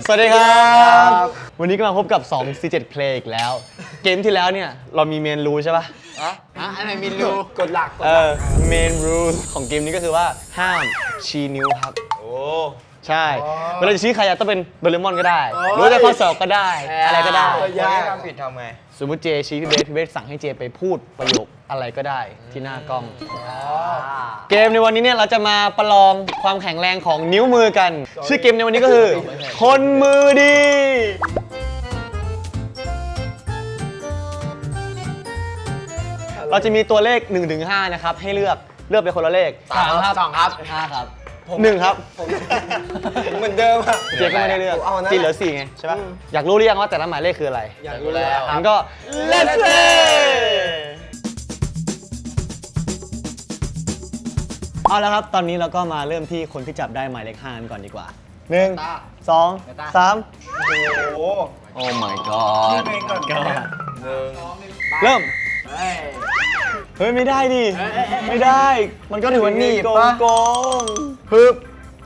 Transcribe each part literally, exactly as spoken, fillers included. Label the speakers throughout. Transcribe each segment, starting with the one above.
Speaker 1: สวัสดีครับวันนี้ก็มาพบกับสอง ซี เจ็ด Play อีกแล้วเกมที่แล้วเนี่ยเรามีเมนรูใช่ป่ะ
Speaker 2: อะอะไรเมนรูกดหลัก
Speaker 1: เออเมนรูของเกมนี้ก็คือว่าห้ามชี้นิ้วครับโอ้ใช่เวลาจะชี้ใครต้องเป็นโดเรมอนก็ได้หรือจะข้อสอบก็ได้อะไรก็ได้
Speaker 2: ยากทำผิดทำไง
Speaker 1: สมมติเจชี้พี่เบสพี่เบสสั่งให้เจไปพูดประโยคอะไรก็ได้ที่หน้ากล้องเกมในวันนี้เนี่ยเราจะมาประลองความแข็งแรงของนิ้วมือกันชื่อเกมในวันนี้ก็คือคนมือดีเราจะมีตัวเลข หนึ่งถึงห้า นะครับให้เลือกเลือกไปคนละเลข
Speaker 2: สามครับสองครับ
Speaker 1: ห้าครับหนึ่งครับ
Speaker 2: เหมือนเดิมอะ
Speaker 1: เจก็ไม่ได้เลือกจีเหลือสี่ไงใช่ปะอยากรู้หรือยังว่าแต่ละหมายเลขคืออะไร
Speaker 2: อยากรู้แล้ว
Speaker 1: งั้นก็ let's play เอาแล้วครับตอนนี้เราก็มาเริ่มที่คนที่จับได้หมายเลขห้ากันก่อนดีกว่าหนึ่งสองสาม
Speaker 2: โอ้
Speaker 1: Oh my god
Speaker 2: หนึ่ง
Speaker 1: เริ่มเฮ้ยไม่ได้ดิไม่ได้มันก็ถือว่านี่โกงโกงฮึบ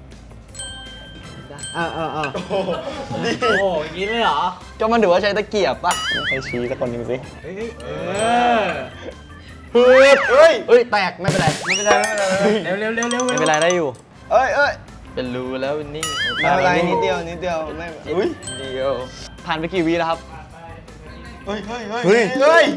Speaker 1: อ่าอ่าอ่า
Speaker 2: ดีโอ้ยงี้เลยเหรอ
Speaker 1: ก็มันถือว่าใช้ตะเกียบป่ะใช้ชี้สักคนหนึ่งสิ
Speaker 2: เฮ้ย
Speaker 1: ฮึบเฮ้ยเฮ้ยแตกไม่เป็นไร
Speaker 2: ไม่เป็นไรไม่เป็นไรเร็วเร็วเร็ว
Speaker 1: ไม่เป็นไรได้อยู่
Speaker 2: เอ้ยเอ้ยเป็นรูแล้วนิ่งไม่เป็นไรนิดเดียวนิดเดียวไม่อุ้ยเดียว
Speaker 1: ผ่านไปกี่วิแล้วครับ
Speaker 2: เฮ้ยเฮ้ยเฮ้ยเฮ้ย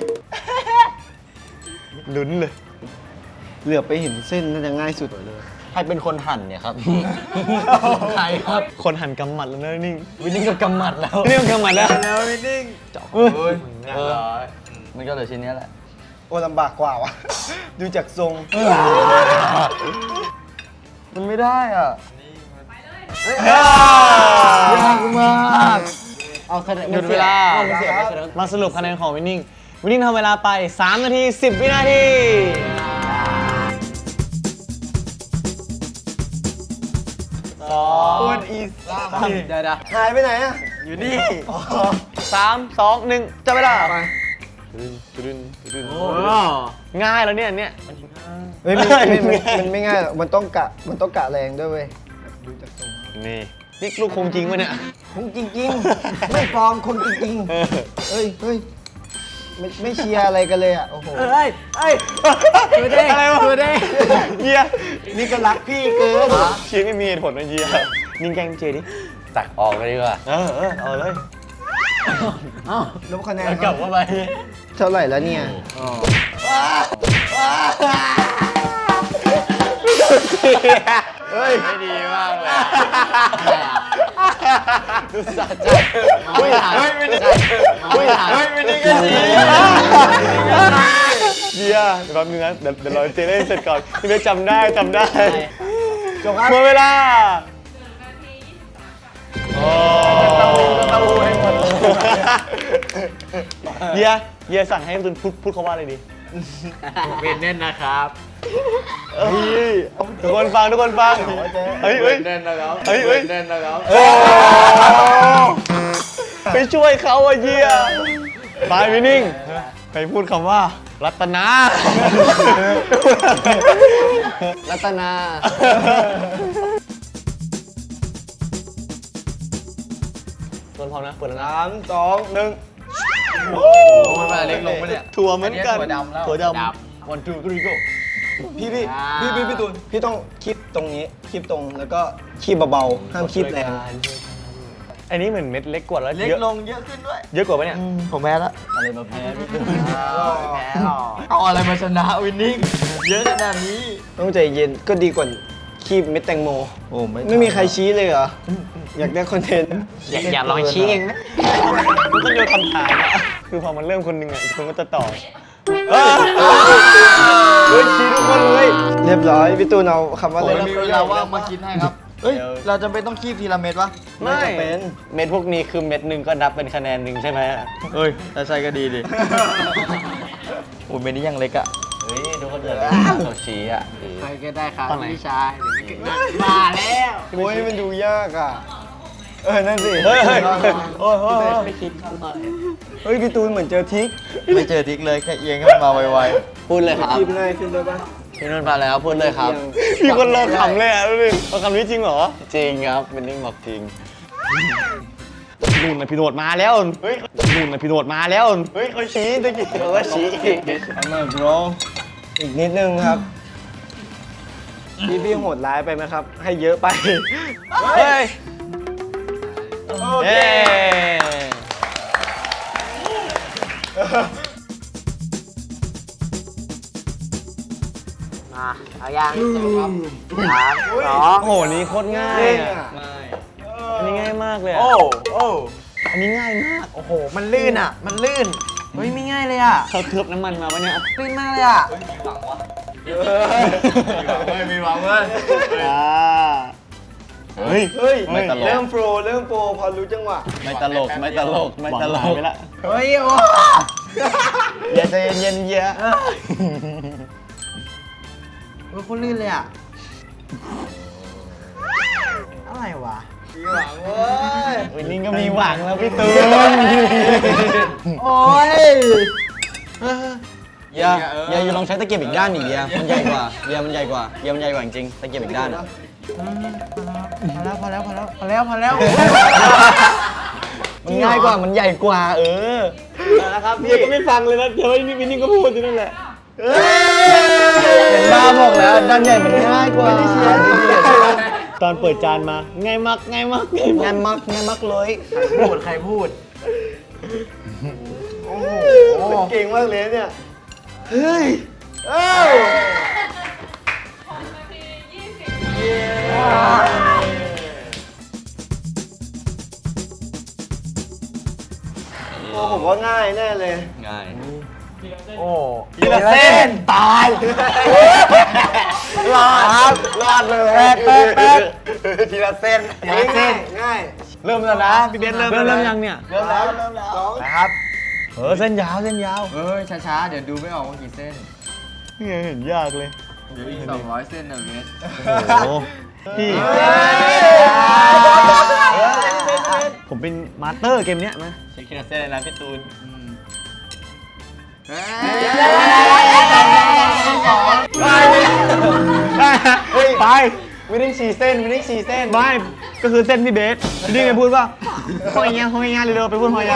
Speaker 1: ลุ้นเลย
Speaker 2: เหลือไปเห็นเส้นน่าจะง่ายสุดเลย
Speaker 1: ใครเป็นคนหั่นเนี่ยครับใครครับคนหั่นกำหมัดแล้วนะนิ่ง
Speaker 2: วินนิ่งกับกำหมัดแล้ว
Speaker 1: นี่มันกำหมัดแล้ว
Speaker 2: แล้ววินนิ่ง
Speaker 1: เจาะ
Speaker 2: เฮ้ย
Speaker 1: มันก็เหลือชิ้นนี้แหละ
Speaker 2: โอ้ลำบากกว่าวะดูจากทรง
Speaker 1: มันไม่ได้อ่ะ
Speaker 2: ยากมาก
Speaker 1: เอาคะแนนหมดเวลามาสรุปคะแนนของวินนิ่งวินนิ่งทำเวลาไปสามนาทีสิบวินาทีสอง
Speaker 2: อีส
Speaker 1: เดี๋ยว
Speaker 2: หายไปไหนอ่ะอยู่นี่
Speaker 1: สามสองหนึ่งจับเวลาง่ายแล้วเนี่ยเนี่ย
Speaker 2: เฮ้ยมันไม่ง่ายหรอกมันต้องกะมันต้องกะแรงด้วยเว้ยดูจากทรง
Speaker 1: นี่นี่ลูกคงจริงวะเนี่ย
Speaker 2: คงจริงๆไม่ปลอมคงจริงๆเฮ้ยเฮ้ยไม่ไม่เชียร์อะไรกันเลยอ่ะโอ้โหเฮ้ยเฮ้ยตัวเด้
Speaker 1: อะไรวะ
Speaker 2: ตัวเด้
Speaker 1: เยีย
Speaker 2: นี่ก็รักพี่เกิน
Speaker 1: เชียร์ไม่มีเหตุผลนะเยียนิ่งแกงเจดิตักออกเลยดีกว่าเออเออเอาเลย
Speaker 2: อ้าวลบคะแนน
Speaker 1: กลับเข้าไป
Speaker 2: เท่าไหร่แล้วเนี่ย
Speaker 1: เฮ้ยไม่ดีมากเลยดูสะใจไม่หายไม่ได้ไม่หายไม่ได้กันดีเดียเดี๋ยวแป๊บนึงนะเดี๋ยวเดี๋ยวเราเจเล่นเสร็จก่อนที่เบสจำได้จำได้
Speaker 2: จบครับ
Speaker 1: หมดเวลาโอ้เต้าหู้ให้หมดเดียเดียสั่งให้ตุนพูดพูดเขาว่าอะไรดี
Speaker 2: เป็นแน่นนะครับ
Speaker 1: ทุกคนฟังทุกคนฟังเฮ้ยเฮ้ย
Speaker 2: แน่นนะครับ
Speaker 1: เฮ้ยเฮ้ย
Speaker 2: แน่นนะครับ
Speaker 1: ไปช่วยเขาอะเยียบายวินิ่งไปพูดคำว่ารัตนารัตนาส่วนพร้อมนะเปิดแล้วนะ
Speaker 2: สามสองหนึ่ง
Speaker 1: โอ้มันมาเล็กลงไปเนี่ยถั่วเหมือนกัน
Speaker 2: ถั่วดำแล้ว
Speaker 1: ถั่วดำวันจูกรีโก้
Speaker 2: พี่พี่พี่พี่พี่ตูนพี่ต้องคีบตรงนี้คีบตรงแล้วก็คีบเบาๆห้ามคีบแรง
Speaker 1: อันนี้เหมือนเม็ดเล็กกว่าแล้ว
Speaker 2: เล็กลงเยอะขึ้นด้วย
Speaker 1: เยอะกว่าปะเนี่ย
Speaker 2: ผมแพ้แล้ว
Speaker 1: อะไรมาแพ้พี่ตูน
Speaker 2: แพ้หรอเอาอะไรมาชนะวินนิ่งเยอะขนาดนี้ต้องใจเย็นก็ดีกว่าคีบเม็ดแตงโมโอ้ไม่ไม่มีใครชี้เลยเหรออยากได้คอนเทนต์
Speaker 1: อยากลองชี้เองนะมันต้องโยนคำถามคือพอมันเริ่มคนหนึ่งอ่ะอีกคนก็จะต่อเฮ้ยชี้ทุกคนเลย
Speaker 2: เรียบร้อยพี่ตูนเอาคำว่าอะไร
Speaker 3: มีเวลาว่างมาคิดให้ครับเฮ้ยเราจำเป็นต้องคีบทีละเม็ดวะ
Speaker 1: ไม่เป็นเม็ดพวกนี้คือเม็ดหนึ่งก็นับเป็นคะแนนหนึ่งใช่ไหม
Speaker 3: เฮ้ยถ้าใช่ก็ดีดิโอ้ยเม็ดนี้ยังเล็กอ่ะ
Speaker 1: เฮ้ยทุกคนเดือดเขาชี้อ่ะ
Speaker 3: ใครก็ได้ครับพี่ชายเดี๋ยวไม่เกิดมาแล้ว
Speaker 2: โอ้ยมันดูยากอ่ะเออนั่นสิ
Speaker 1: เฮ้ยเฮ้ยโอ้ย
Speaker 3: ไม่คิด
Speaker 2: เฮ้ยพี่ตูนเหมือนเจอทิก
Speaker 3: ไม่เจอทิกเลยแค่เอียงขึ้นมาไว
Speaker 1: ๆพูดเลยครับ
Speaker 2: คีบง่ายขึ้นด้วยป่ะ
Speaker 1: พี่นุ่นมาแล้วพูดเลยครับมีคนรอขำเลยอ่ะดูดิเอาคำนี้จริงเหรอจริงครับเป็นนิ่งบอกจริงนู่นนะพี่โนดมาแล้วเฮ้ยนู่นนะพี่โนดมาแล้วเฮ้ยเขาชี้ตะกี้เขาก็ชี้อีก
Speaker 2: ทำไม bro อีกนิดนึงครับ พี่พี่โหดร้ายไปไหมครับ ให้เยอะไป
Speaker 1: เฮ้ยเย้
Speaker 4: มาเอายังสามสอง
Speaker 1: โอ้โหนี่โคตรง่ายอ่ะอันนี้ง่ายมากเลยอะ
Speaker 3: โอ้โอ้
Speaker 1: อันนี้ง่ายมาก
Speaker 3: โอ้โห มันลื่นอ่ะ มันลื่น เฮ้ย ไม่ง่ายเลยอ่ะ
Speaker 1: เขาเคลือบน้ำมันมาปะเนี่ย
Speaker 3: ลื่นมากเลยอ่ะ
Speaker 2: ไม่มีหวังเว้ย
Speaker 1: อ่าเฮ้ย
Speaker 2: เฮ้ย
Speaker 1: ไม่ตลก
Speaker 2: เริ่มโปรเริ่มโปรพอรู้จังหวะ
Speaker 1: ไม่ตลกไม่ตลกไม่ตลกไปละ
Speaker 3: เฮ้ย โอ้
Speaker 1: อย่าใจเย็นๆเยอะ
Speaker 3: เฮ้ยโคตรลื่นเลยอ่ะ อะไรวะ
Speaker 2: มีหวังเว้ย
Speaker 1: วันนี้ก็มีหวังแล้วพี่ตูน
Speaker 3: โอ้ย
Speaker 1: อย่าอย่าอยู่ลองใช้ตะเกียบอีกด้านอีกเดียมันใหญ่กว่าเดียมันใหญ่กว่าเดียมันใหญ่กว่าจริงตะเกียบอีกด้านอะ
Speaker 3: พอแล้ว พอแล้ว พอแล้ว พอแล้ว พอแล้ว
Speaker 1: มันง่ายกว่ามันใหญ่กว่า เออ
Speaker 2: นะครับ
Speaker 1: เดี
Speaker 2: พี่
Speaker 1: ยก็ไม่ฟังเลยนะเดี๋ยวไอ้นี่วินนี่ก็พูดอยู่นั่นแหละ
Speaker 2: เห็นบ้าบอกแล้วด้านใหญ่มันง่ายกว่า
Speaker 1: ตอนเปิดจานมาง่ายมากง่ายมากง่าย
Speaker 2: งานมักงานมักเลย
Speaker 3: พูด ใครพูด
Speaker 2: โอ้โหเก่งมากเลยเนี่ย เฮ้ย เอ้าโอ้ผมว่าง่ายแน่เลย
Speaker 1: ง่าย
Speaker 3: โอ้
Speaker 1: ทีละเส้นตาย
Speaker 2: รอดครับรอดเลย
Speaker 3: แป๊กแป๊กแป๊ก
Speaker 2: ทีละเส้นทีละเส้นง่าย
Speaker 1: เริ่มแล้วนะพี่เบนเริ่มเริ่มเริ่มยังเนี่ย
Speaker 2: เริ่มแล้วเริ่มแล้ว
Speaker 3: นะครับ
Speaker 1: เออเส้นยาวเส้นยาว
Speaker 3: เฮ้ย ช้าๆ เดี๋ยวดูไม่ออกว่ากี่เส้น
Speaker 1: นี่ไงเห็นยากเลย
Speaker 3: เดี๋ยวอีกสองร้อยเส้นนะเวส
Speaker 1: โอ้โหพี่ผมเป็นมาสเตอร์เกมเนี้ยมาใช้คิดเส้นเลยนะพี่ตูนไป
Speaker 2: ไม่ได้ฉี่เส้นไม่ได้ฉี่เส้น
Speaker 1: ไม่ก็คือเส้นพี่เบสพี่นี่ไงพูดว่าหอยยาหอยยาเร็วๆไปพูดหอยยา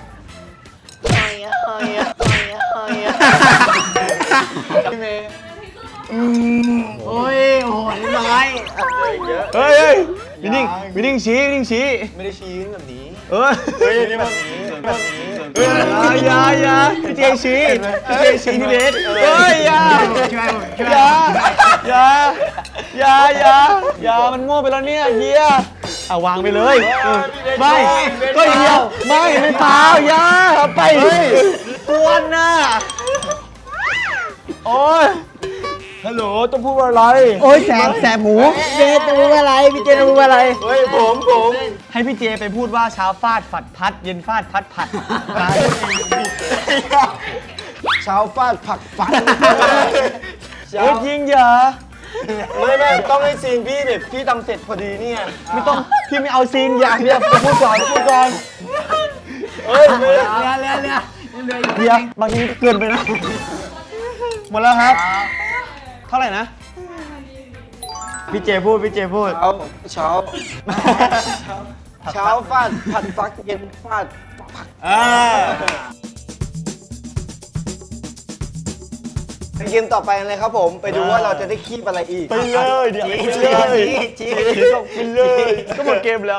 Speaker 2: พี่เมย์
Speaker 3: โอ้ย โอ้โหนี่น้อย
Speaker 1: เฮ้ยเฮ้ยวินนิ่งวินนิ่งชี้วินนิ่งชี้
Speaker 2: ไม่ได้ชี้แบบนี้
Speaker 1: เออ
Speaker 2: เฮ้ยนี่แบบนี้แบบนี้
Speaker 1: เอออย่าอย่าพี่เจชี้พี่เจชี้พี่เบสเฮ้ยอย่า
Speaker 3: ช่วยผมช่วย
Speaker 1: อย่าอย่าอย่าอย่าอย่ามันมั่วไปแล้วเนี่ยเฮียเอาวางไปเลยเออไม่ก็เดียวไม่ไม่เปล่าอย่าไปกวนน่ะโอ้ยฮัลโหลต้องพูดว่าอะไร
Speaker 3: โอ้ยแสบแสบหมูเจจะพูดอะไร พี่เจจะพูดอะไร
Speaker 2: เฮ้ยผมผม
Speaker 1: ให้พี่เจไปพูดว่าเช้าฟาดฝัดพัด เย็นฟาดพัดผัด
Speaker 2: เช้าฟาดผักฟัน
Speaker 1: เฮ้ยยิงเหรอ
Speaker 2: ไม่ไม่ต้องให้ซีนพี่แบบพี่ทำเสร็จพอดีเนี่ย
Speaker 1: ไม่ต้องพี่ไม่เอาซีนอย่าอย่าไปพูดก่อนพูดก่อน
Speaker 2: เฮ้ยไม่ได้
Speaker 3: เรือเรือเรือเรือ
Speaker 1: เดี๋ยวบางทีก็เกินไปนะ หมดแล้วครับ เท่าไหร่นะ
Speaker 3: พี่เจพูด พี่เจพูด
Speaker 2: เอาเช้าเช้าฟาดผัดฟักเย็นฟาดผัก
Speaker 1: อ่า
Speaker 2: เกมต่อไปกันเลยครับผมไปดูว่าเราจะได้คีบอะไรอีก
Speaker 1: ไปเลยเดี๋ยวไปเลยไปเลยก็หมดเกมแล้ว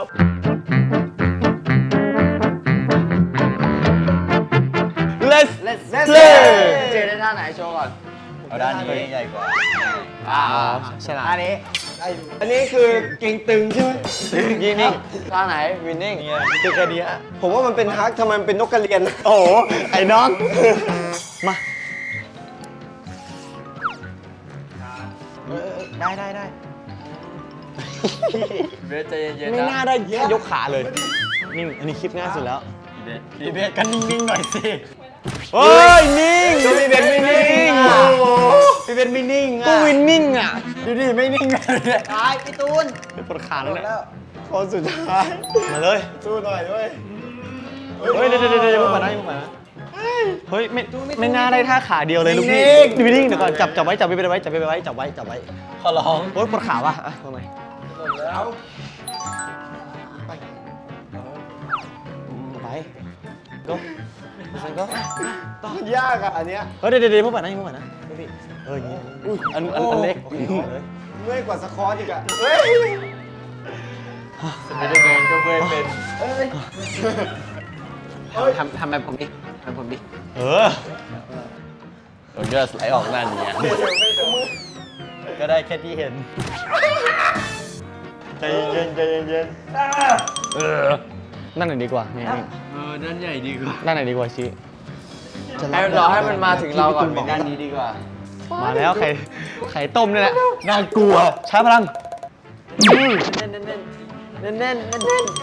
Speaker 1: Let's play
Speaker 3: เจได้ท่าไหนโชว์ก่อน
Speaker 1: เอาด้านนี้ใหญ่กว่า
Speaker 3: อ่า
Speaker 1: ฉลาด
Speaker 3: ท่านี้
Speaker 2: อันนี้คือเก่งตึงใช่ไหม
Speaker 1: ยิงนี่
Speaker 3: ท่าไหน
Speaker 1: วินนิ่งคือแค่นี้
Speaker 2: ผมว่ามันเป็นฮักทำไมมันเป็นนกกระเรียน
Speaker 1: โอ้โห ไอ้น้อง มา
Speaker 3: ได้ได้ได้เบสใจเย็นๆ
Speaker 1: ไม่
Speaker 3: นะ
Speaker 1: น่าได้แค่ยกขาเลย นิ่ง อันนี้คลิปง่ายสุดแล้ว
Speaker 3: พี่เบสกันนิ่งๆหน่อยสิ
Speaker 1: เฮ้ย นิ่ง
Speaker 2: ก็พี่เบนไม่นิ่ง
Speaker 1: โอ้โห
Speaker 2: พี่เบนไม่นิ่ง
Speaker 1: ก็
Speaker 2: อ่ะ
Speaker 1: วินนิ่งอ่ะ
Speaker 2: ดูดิไม่นิ่งเลย
Speaker 3: ตายพี่ตูน
Speaker 1: ไปปวดขาแล้วเนี่ย
Speaker 2: คนสุดท้าย
Speaker 1: มาเลย
Speaker 2: สู้หน่อยด้วย
Speaker 1: เฮ้ย เดี๋ยวเดี๋ยวเดี๋ยวมึงมานะมึงมานะเฮ้ย ไม่ ไม่น่าได้ท่าขาเดียวเลยลูกพี่วินนิ่งเดี๋ยวก่อน จับ จับไว้ จับไว้ไปไว้ จับไปไว้ จับไว้ จับไว้ ขอร้องโอ๊ยปวดขาว่ะอ่ะทำไม
Speaker 2: แล้ว
Speaker 1: ก็ฉันก็
Speaker 2: ต้องยากอ่ะอันเนี้ย
Speaker 1: เฮ้ยเดี๋ยวเดี๋ยวพวกแบบนั้นพวกแบบนั้นพี่เอออย่างงี้อันอันอันเล็ก
Speaker 2: เมื่อยกว่าสควอตอีกอ่ะเฮ้ย
Speaker 3: ไม่ได้แมนก็เว้ยเป็น
Speaker 4: ทำทำแบบผมดิทำแบบผมดิ
Speaker 1: เออมันก็ไหลออกนั่นอย่างเงี้ยก็ได้แค่ที่เห็นใจเย็นใจเย็นเออนั่นไหนดีกว่านี่นี่
Speaker 3: เออด้านใหญ่ดีกว่า
Speaker 1: นั่นไหนดีกว่าชี้
Speaker 3: ให้รอให้มันมาถึงเราก่อนเป็นด้านนี้ดีกว่า
Speaker 1: มาแล้วไข่ไข่ต้มนี่แหละน่ากลัวใช้พลัง
Speaker 4: เน่นเน่นเน่นเน่นเน่นเน่นเน่น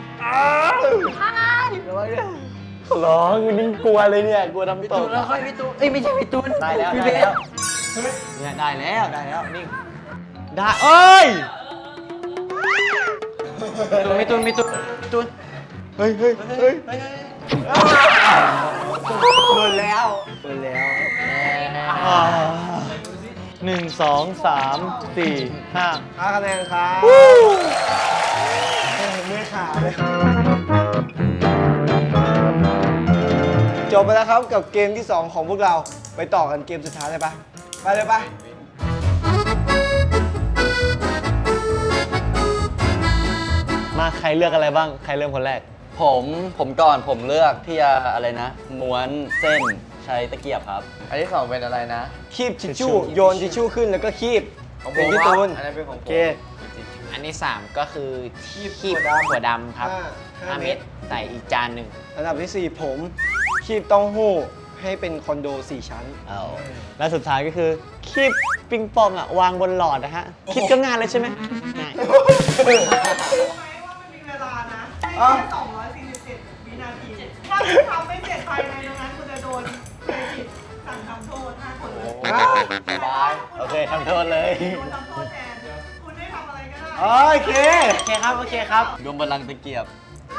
Speaker 1: ร้องนิ่งกลัวเลยเนี่ยกลัวน้ำต
Speaker 4: ตู
Speaker 1: ก
Speaker 4: นแล้วค่อยพี่ตูนเอ้ยไม่ใช่พี่ตูน
Speaker 1: ได้แล้ว
Speaker 4: พี่
Speaker 1: ได้
Speaker 4: เบ
Speaker 1: แล้ว
Speaker 4: ส
Speaker 1: เนี่ยได้แล้วได้แล้วนิ่งได้เอ้ย
Speaker 4: พี่ตูนพี่ตูนพี่ตูน
Speaker 1: เฮ้ยเฮ้ยเฮ้ย
Speaker 2: โดนแล้วโดนแล้ว
Speaker 1: หนึ่งสองสามสี่ห้า
Speaker 2: ห้าคะแนนครับเมื่อยขาเลยจบไปแล้วครับกับเกมที่สองของพวกเราไปต่อกันเกมสุดท้ายเลยปะไปเลยปะ
Speaker 1: มาใครเลือกอะไรบ้างใครเริ่มคนแรก
Speaker 3: ผมผมก่อนผมเลือกที่จะอะไรนะ ม้วนเส้นใช้ตะเกียบครับ อันที่สองเป็นอะไรนะ
Speaker 2: คีบทิชชู่โยนทิชชู่ขึ้นแล้วก็คีบเป็นพี่ตูน
Speaker 3: อันนั้นเป็นของผม
Speaker 2: โอเค
Speaker 4: อันที่สามก็คือที่คีบ
Speaker 2: ถั่วดำ
Speaker 4: ถั่วดำครับ
Speaker 2: ห้าห้า
Speaker 4: ห้า
Speaker 2: เม็
Speaker 4: เม็
Speaker 2: ด
Speaker 4: ดใส่อีกจานหนึ่ง
Speaker 2: อันดับที่สี่ผมคีบเต้าหู้ให้เป็นคอนโดสี่ชั้น
Speaker 1: เอาแล้วสุดท้ายก็คือคีบปิงปองอ่ะวางบนหลอดนะฮะคิดก็งานเลยใช่ไหมง่าย
Speaker 5: รู้ไหมว่ามันมีเวลานะให้แค่สองร้อยสี่สิบเจ็ดวินาที ถ้าคุณทำไม่เสร็จภายในตรงนั้นคุณจะโดนเครดิตสั่งทำโทษห้าคนเลย
Speaker 2: บาย
Speaker 1: โอเคทำโทษเลย
Speaker 5: โดนทำโทษแทน คุณได้ทำอะไรก็ได้
Speaker 2: โอเค
Speaker 4: โอเคครับ โอเคครับ
Speaker 3: รวมพลังตะเกียบ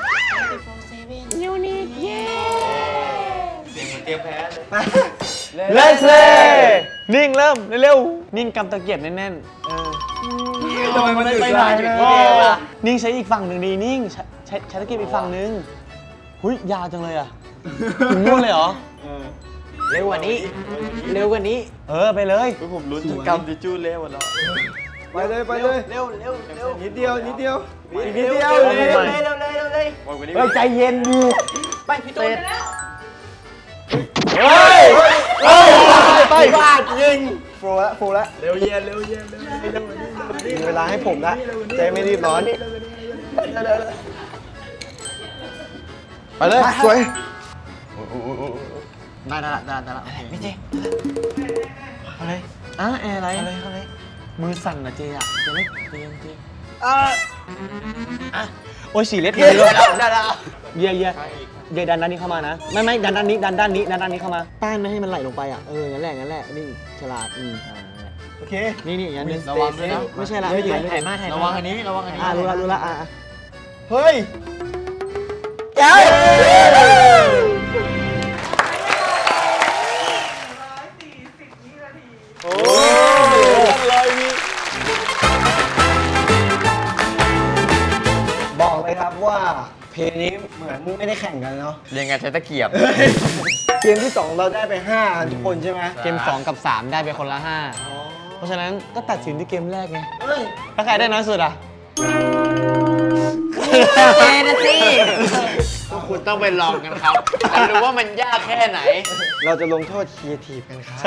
Speaker 1: เลสเล่นิ่งเริ่มเร็วๆนิ่งกำตะเกียบแน่นๆ
Speaker 2: ทำไมมันถึง
Speaker 1: ไป
Speaker 2: ไกล
Speaker 1: ไหน
Speaker 2: จัง
Speaker 1: โอ้นิ่งใช้อีกฝั่งหนึ่งดีนิ่งใช้ใช้ใช้ตะเกียบอีกฝั่งหนึ่งหุยยาวจังเลยอ่ะถึงนู่นเลยเหรอ
Speaker 4: เร็วกว่านี้ เร็วกว่านี้
Speaker 1: เออไปเลย
Speaker 3: ผมลุ้นจนกำทิชชู่เละหมดแล้ว
Speaker 2: ไปเลยไปเลย
Speaker 4: เร็วเร็วเร็ว
Speaker 2: นิดเดียวนิดเดียวอีกนิดเดียว
Speaker 1: เร็ว
Speaker 2: นิด
Speaker 1: เร็
Speaker 2: เดียว
Speaker 1: ว
Speaker 4: เร็วเร็วเร็วเร็ว
Speaker 3: บอกวันนี้
Speaker 1: เฮ้ยใจเย็นดี
Speaker 4: ไปพี่ตูน
Speaker 1: เฮ้ยเฮ้ยไป
Speaker 2: ฟาดยิงโฟร์ละโฟร์ละเร็วเย็นเร็วเย็นมีเวลาให้ผมละใจไม่รีบร้อน
Speaker 1: ไปเลยสวย
Speaker 4: ได้แล้วได้แล้วได้แล้วพี่เจ
Speaker 1: อะไรอ่ะแอร์อะไรอะไรอะไรมือสั่นนะเจอ่ะเจเล็กเจเย็นเจ
Speaker 2: อ่ะ
Speaker 1: อ่ะโอ้ยสีเล็ด
Speaker 2: เย้ได้แล้ว
Speaker 1: เย่เย่เย่ดันด้านนี้เข้ามานะไม่ไม่ดันด้านนี้ดันด้านนี้ดันด้านนี้เข้ามาต้านไม่ให้มันไหลลงไปอ่ะเอองั้นแหละงั้นแหละนี่ฉลาดอืม
Speaker 2: โอเค
Speaker 1: นี่นี่อย่างนึง
Speaker 3: ระวังด้วยนะ
Speaker 1: ไม่ใช่ละไม่ถึงไม่
Speaker 4: ถ่า
Speaker 1: ถึ
Speaker 4: ย
Speaker 1: ง
Speaker 4: มาถ่าย
Speaker 3: ระ
Speaker 4: มา
Speaker 3: วังอันนี้ระวังอันนี้
Speaker 1: อ่ะรู้ละรู้ละอ่ะ
Speaker 2: เฮ้ย
Speaker 1: เจ้า
Speaker 5: ร้อยสี่สิบวินาที
Speaker 2: โอ้ยบอกเลยครับว่าเพลงนี้เหมือนไม่ได้แข่งกันเนาะ
Speaker 3: เรียนงานใช้ตะเกียบ
Speaker 2: เกมที่สองเราได้ไปห้าอันทุกคนใช่ไหม
Speaker 1: เกมสองกับสามได้ไปคนละห้าเพราะฉะนั้นก็ตัดสินที่เกมแรกไง
Speaker 2: เฮ้ย
Speaker 1: ถ้าใครได้น้อยสุดอ่ะ
Speaker 4: เจนะสิ
Speaker 3: คุณต้องไปลองกันครับจะรู้ว่ามันยากแค่ไหน
Speaker 2: เราจะลงโทษครีเอทีฟกันครับ
Speaker 1: ใช่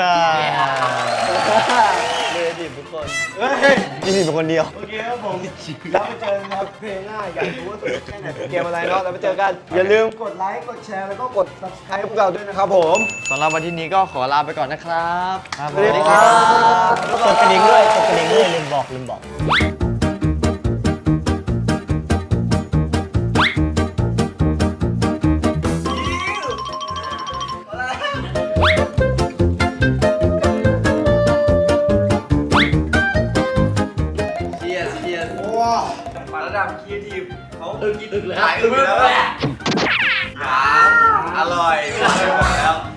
Speaker 2: ครีเอทีฟทุกคน
Speaker 1: ยี่สิบเป็นคนเดียว
Speaker 2: โอเคครับผมแล้วไปเจอกันครับเพลงหน้าอยากรู้ว่าสนุกแค่ไหนเกมอะไรเนาะแล้วไปเจอกัน อย่าลืมกดไลค์กดแชร์แล้วก็กด subscribe พวกเราด้วยนะครับผม
Speaker 3: สำหรับวันที่นี้ก็ขอลาไปก่อนนะครับ
Speaker 2: สวัสดีครับ
Speaker 1: กดกระดิ่งด้วยกดกระดิ่งด้วยลืมบอกลืมบอก
Speaker 3: เชียร์เชียร์
Speaker 2: ว้าว
Speaker 3: ระดับครีเอทีฟเขาอึกอึกเลยหายอึกแล้วอร่อยไม่ไหวแล้ว